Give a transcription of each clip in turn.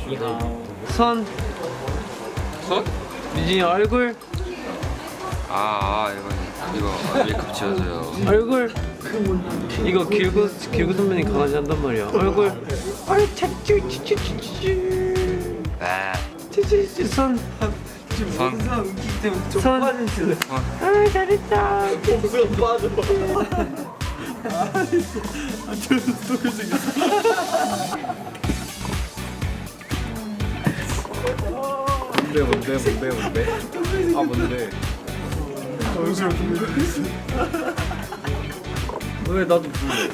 손. 손? 유진이 얼굴. 이거 메이크업 지워줘요. 얼굴. 이거 길구 선배님 강아지 한단 말이야. 얼굴. 손. 손. 잘했다. 뭔데? 아 뭔데? 왜 나도 불러?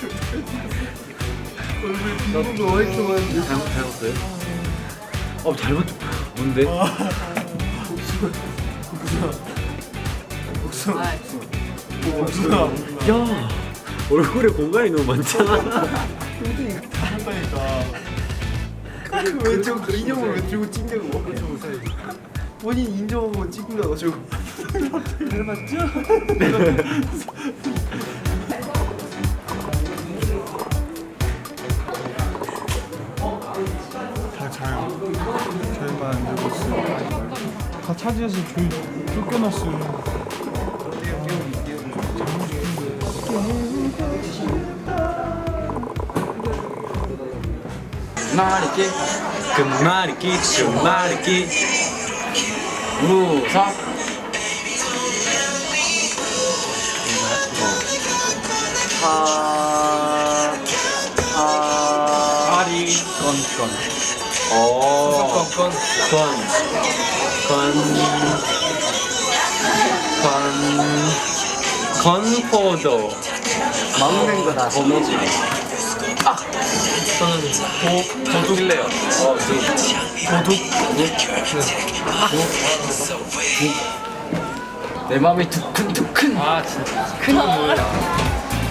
나도 화이트만 잘못했어요? 잘못 뭔데? 복숭아. 야 얼굴에 공간이 너무 많잖아. 한다니까. 왜 저거 인형을 왜 들고 찍냐고. 본인 인정하고 찍은 거 가지고. 닮았죠? 잘만 안 되고 있어요. 다 차지해서 저희 쫓겨났어요. 말이기 끝말잇기 무섭. 파리 건건. 건포도 막는 거다. 거머쥐. 저는 도둑일래요. 내 마음이 두근두근. 진짜 큰 눈물이야.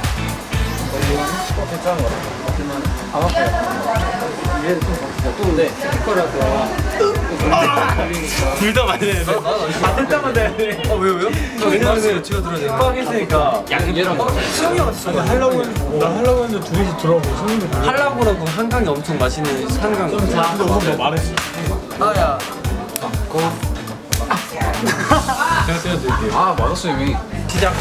둘다 많이 해. 됐다만 돼. 왜요? 왜냐면 제가 들어야 돼. 빡 했으니까 얘랑 수영이 왔어. 나 하려고 했는데 둘이서 들어가고 성인도 들어. 한라고라고 한강이 엄청 맛있는 한강. 근데 오늘 너 말했어. 나야. 제가 떼어드릴게요. 맞았어 이미. 시작.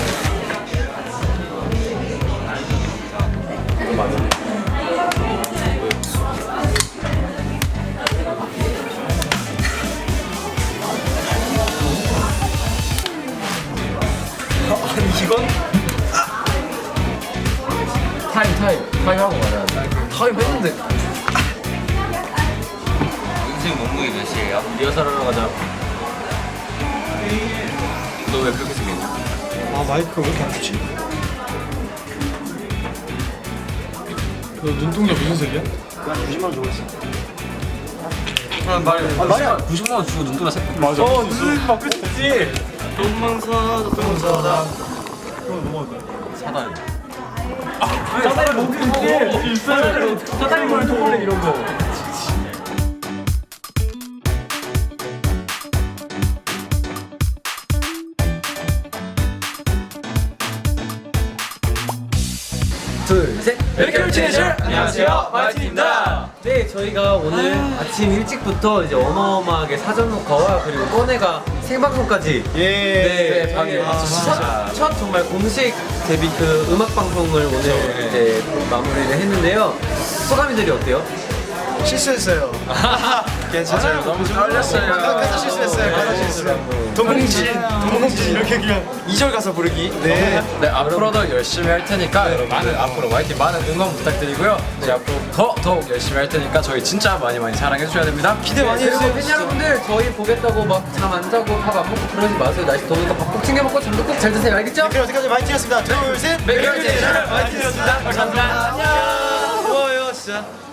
이건? 타임하고 말해야 돼. 타임 했는데. 인생 몸무게 몇이에요? 리허설 하러 가자. 너 왜 그렇게 생겼냐? 마이크가 왜 이렇게 안 좋지? 너 눈동자 무슨 색이야? 나 90만 원 주고 있어. 말이야. 90만 원 주고 눈동자 색. 맞아. 눈 바꿀 수 있지. 돈만 사다. 그거 넘어갔다. 사다리. 사다리 먹고 있지. 사다리 머리 초콜릿 이런 거. 둘, 셋. 메이크업 티네이저! 안녕하세요, 마이틴입니다. 네, 저희가 오늘 아침 일찍부터 이제 어마어마하게 사전 녹화와 그리고 꺼내가 생방송까지 네, 방에 첫 정말 공식 데뷔 그 음악 방송을 오늘 이제 마무리를 했는데요. 소감이들이 어때요? 실수했어요. 괜찮아요. 너무 떨렸어요. 가사 실수했어요. 가사 실수했어요. 동공진 이렇게 그냥 2절 가사 부르기. 네. 네, 앞으로도 열심히 할 테니까 여러분 앞으로 YT 많은 응원 부탁드리고요. 네, 앞으로 더욱 열심히 할 테니까 저희 진짜 많이 사랑해 주셔야 됩니다. 기대 많이 그리고 해주세요. 팬 여러분들 저희 보겠다고 막 잠 안 자고 밥 안 먹고 그러지 마세요. 날씨 더우니까 밥 꼭 챙겨 먹고 잠도 꼭 잘 드세요. 알겠죠? 그럼 여기까지 마이팅이었습니다. 둘, 셋. 메이크업 티네이저 마이틴이었습니다. 감사합니다. 안녕. 고마워요, 진짜.